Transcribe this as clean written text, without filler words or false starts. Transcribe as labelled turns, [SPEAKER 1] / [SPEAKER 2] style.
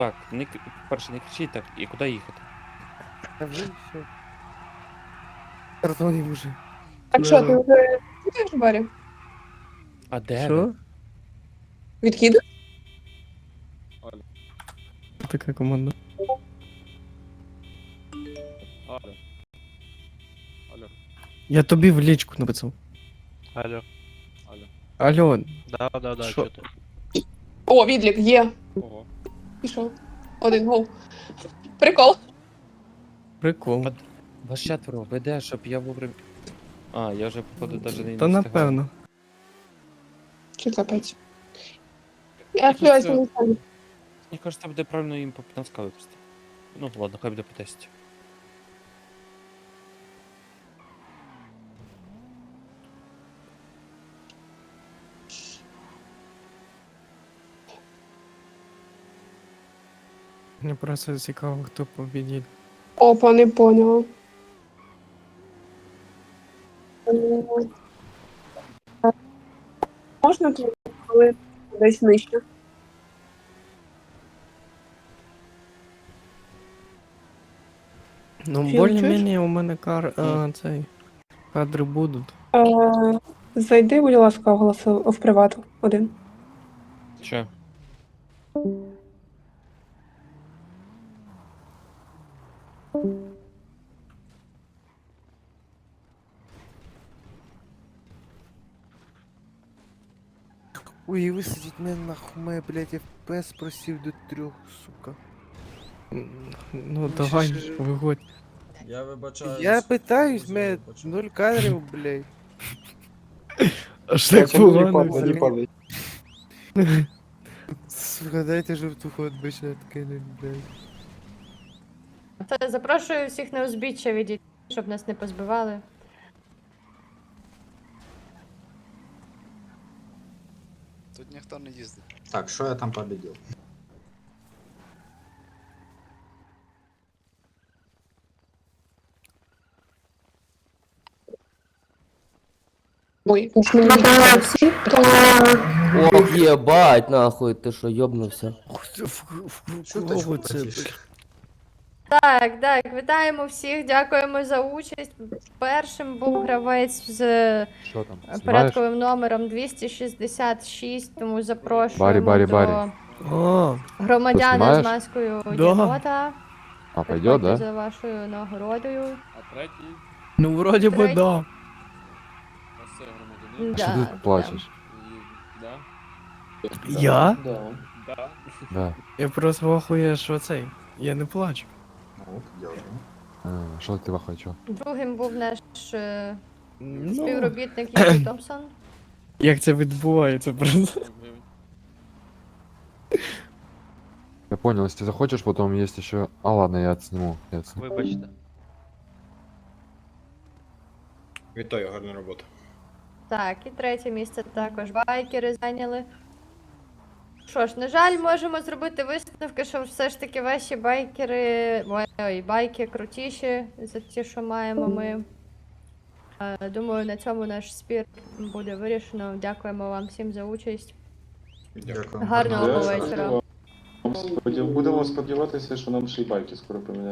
[SPEAKER 1] Так, перше не кричіть так, і куди їхати?
[SPEAKER 2] Та вже все. Картонів уже.
[SPEAKER 3] Так що, ти вже їдеш в барі?
[SPEAKER 1] А де ви?
[SPEAKER 2] Що?
[SPEAKER 3] Відкиди?
[SPEAKER 2] Така команда.
[SPEAKER 4] Алло. Алло.
[SPEAKER 2] Я тобі в лічку написав.
[SPEAKER 4] Алло. Алло.
[SPEAKER 2] Алло,
[SPEAKER 4] Да,
[SPEAKER 2] Що?
[SPEAKER 4] що ти?
[SPEAKER 3] О, відлік, є.
[SPEAKER 4] Ого.
[SPEAKER 3] Пішов. Один гол. Прикол.
[SPEAKER 2] прикол.
[SPEAKER 1] Вас четверо, веде, щоб я вовремя. А, я вже, походу, навіть не
[SPEAKER 2] Та
[SPEAKER 1] встигаю.
[SPEAKER 2] напевно.
[SPEAKER 3] Чи капець? Я сподіваюся, не стану.
[SPEAKER 1] Мені кажется, буде правильно їм по 15 випустити. Ну, ладно, хай буде по 10.
[SPEAKER 2] Мені просто цікаво, хто побідів.
[SPEAKER 3] Опа, не поняла. Можна тут, коли десь нижче?
[SPEAKER 2] Ну,
[SPEAKER 3] Філ,
[SPEAKER 2] більш-менш у мене кадри будуть.
[SPEAKER 3] Зайди, будь ласка, в привату. Один.
[SPEAKER 1] Що?
[SPEAKER 5] Ой, висадіть мене нахуй, мене, блядь, FPS просів до 3, сука.
[SPEAKER 2] Ну, давай, виходь.
[SPEAKER 6] Я вибачаюсь.
[SPEAKER 5] Я питаюсь,
[SPEAKER 6] Дуже
[SPEAKER 5] мене
[SPEAKER 6] вибачаюсь.
[SPEAKER 5] 0 кадрів, блядь.
[SPEAKER 2] Аж так погано.
[SPEAKER 5] Сука, дайте жовтуху відбичне откинуть, блядь.
[SPEAKER 7] Та запрошую всіх на узбіччя відійти, щоб нас не позбивали.
[SPEAKER 8] Тут ніхто не їздить.
[SPEAKER 6] Так, що я там победил?
[SPEAKER 3] Ой, уж мені всі, то...
[SPEAKER 9] Ох, ебать, нахуй, ты что, ёбнулся?
[SPEAKER 2] Кого це?
[SPEAKER 7] Так, вітаємо всіх, дякуємо за участь. Першим був гравець з
[SPEAKER 4] Що там?
[SPEAKER 7] порядковим номером 266, тому запрошуємо
[SPEAKER 4] Барі.
[SPEAKER 7] до
[SPEAKER 2] О,
[SPEAKER 7] громадяна з
[SPEAKER 4] знімаєш?
[SPEAKER 7] маскою
[SPEAKER 2] Да.
[SPEAKER 7] Дінота.
[SPEAKER 4] А, пойдет,
[SPEAKER 7] Приходьте
[SPEAKER 4] да?
[SPEAKER 7] за вашою нагородою.
[SPEAKER 4] А третій?
[SPEAKER 2] ну вроді би
[SPEAKER 7] Третій.
[SPEAKER 2] да.
[SPEAKER 4] Оце громадянин.
[SPEAKER 7] Да,
[SPEAKER 4] Що
[SPEAKER 7] да.
[SPEAKER 4] ти плачеш? Да?
[SPEAKER 2] Я?
[SPEAKER 4] Да. Да.
[SPEAKER 2] Я просто вахує, що цей. Я не плачу.
[SPEAKER 4] Що ти хочу?
[SPEAKER 7] Другим був наш
[SPEAKER 2] Ну,
[SPEAKER 7] співробітник Юрій Томпсон.
[SPEAKER 2] як це відбувається просто.
[SPEAKER 4] Я понял, если ты захочешь, потом есть еще... А ладно, я отсниму.
[SPEAKER 10] Вибачте.
[SPEAKER 8] Вітаю, гарна робота.
[SPEAKER 7] Так, і третє місце також байкери зайняли. Що ж, на жаль, можемо зробити висновки, що все ж таки ваші байкери, байки крутіші за ті, що маємо ми. Думаю, на цьому наш спір буде вирішено. Дякуємо вам всім за участь.
[SPEAKER 6] Дякую.
[SPEAKER 7] Гарного вечора.
[SPEAKER 10] Будемо сподіватися, що нам ще й байки скоро поміняють.